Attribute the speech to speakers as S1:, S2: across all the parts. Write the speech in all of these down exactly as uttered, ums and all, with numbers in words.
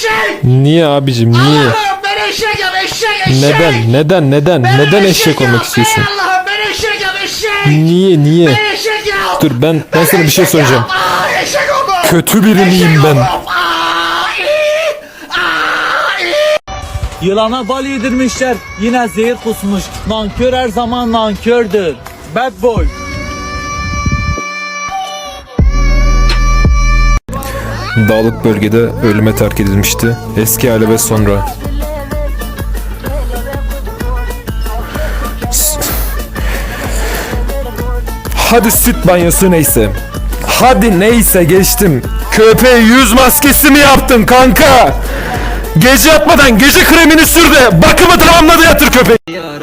S1: eşek.
S2: Niye abicim niye?
S1: Allah'ım ben eşek yap eşek eşek.
S2: Neden neden neden
S1: Ben
S2: neden eşek olmak
S1: yap.
S2: istiyorsun?
S1: Ey Allah'ım ben eşek yap eşek.
S2: Niye niye?
S1: Ben eşek yap.
S2: Dur ben ben sana bir şey
S1: eşek
S2: soracağım.
S1: yap. Aa, eşek oldum.
S2: Kötü biri miyim
S1: Eşek
S2: ben?
S1: oldum. Aa, iyi. Aa, iyi.
S3: Yılana bal yedirmişler, yine zehir kusmuş. Nankör her zaman nankördür. Bad boy.
S2: Dağlık bölgede ölüme terk edilmişti. Eski hali ve sonra. S- Hadi süt banyosu neyse. Hadi neyse geçtim. Köpeğe yüz maskesi mi yaptın kanka? Gece yatmadan gece kremini sür de bakımı tamamladı yatır köpeği.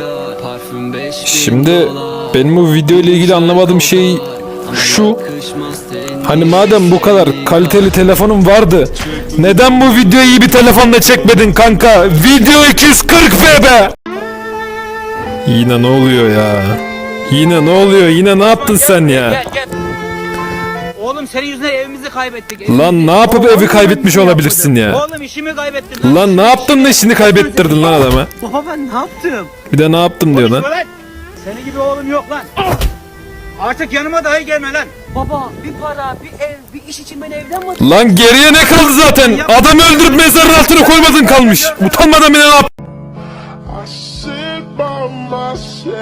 S2: Şimdi benim bu video ile ilgili anlamadığım şey şu. Hani madem bu kadar kaliteli telefonun vardı, neden bu videoyu iyi bir telefonla çekmedin kanka? Video iki yüz kırk p be. Yine ne oluyor ya? Yine ne oluyor? Yine ne yaptın sen ya?
S4: Gel gel. Oğlum senin yüzünden evimizi kaybettik.
S2: Lan ne yapıp evi kaybetmiş olabilirsin ya?
S4: Oğlum işimi kaybettim.
S2: Lan ne yaptın da işini kaybettirdin lan adama?
S4: Baba ben ne yaptım?
S2: Bir de ne yaptım diyor lan?
S4: Lan. Senin gibi oğlum yok lan. Artık yanıma dahi gelme lan.
S5: Baba bir para, bir ev, bir iş için beni evden mi?
S2: Lan geriye ne kaldı zaten? Adamı öldürüp mezarın altına koymadın kalmış. Utanmadan bile ne yap?
S6: I sit by myself,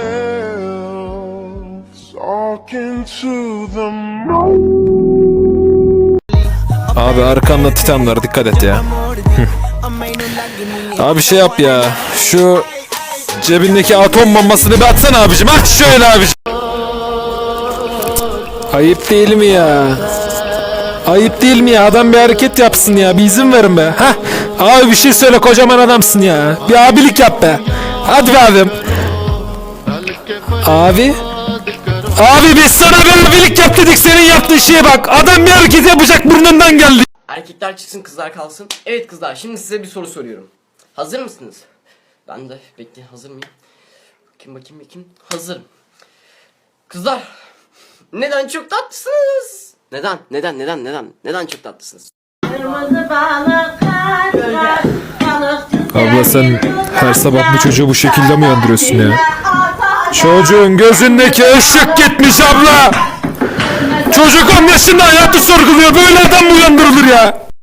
S6: talking to the moon.
S2: Abi arkanda titan var, dikkat et ya. Abi şey yap ya. Şu cebindeki atom bombasını bir atsana abicim. At şöyle abicim. Ayıp değil mi ya? Ayıp değil mi ya? Adam bir hareket yapsın ya. Bir izin verin be. Hah. Abi bir şey söyle, kocaman adamsın ya. Bir abilik yap be. Hadi be abim. Abi. Abi biz sana bir abilik yap dedik, senin yaptığın şeye bak. Adam bir hareket yapacak, burnundan geldi.
S7: Erkekler çıksın kızlar kalsın. Evet kızlar, şimdi size bir soru soruyorum. Hazır mısınız? Ben de bekle, hazır mıyım? Bakayım bakayım bakayım. Hazırım. Kızlar, neden çok tatlısınız? Neden? Neden? Neden? Neden? Neden çok tatlısınız?
S2: Abla sen her sabah bu çocuğu bu şekilde mi uyandırıyorsun ya? Çocuğun gözündeki ışık gitmiş abla. Çocuk on yaşında hayatı sorguluyor. Böyle adam mı uyandırılır ya?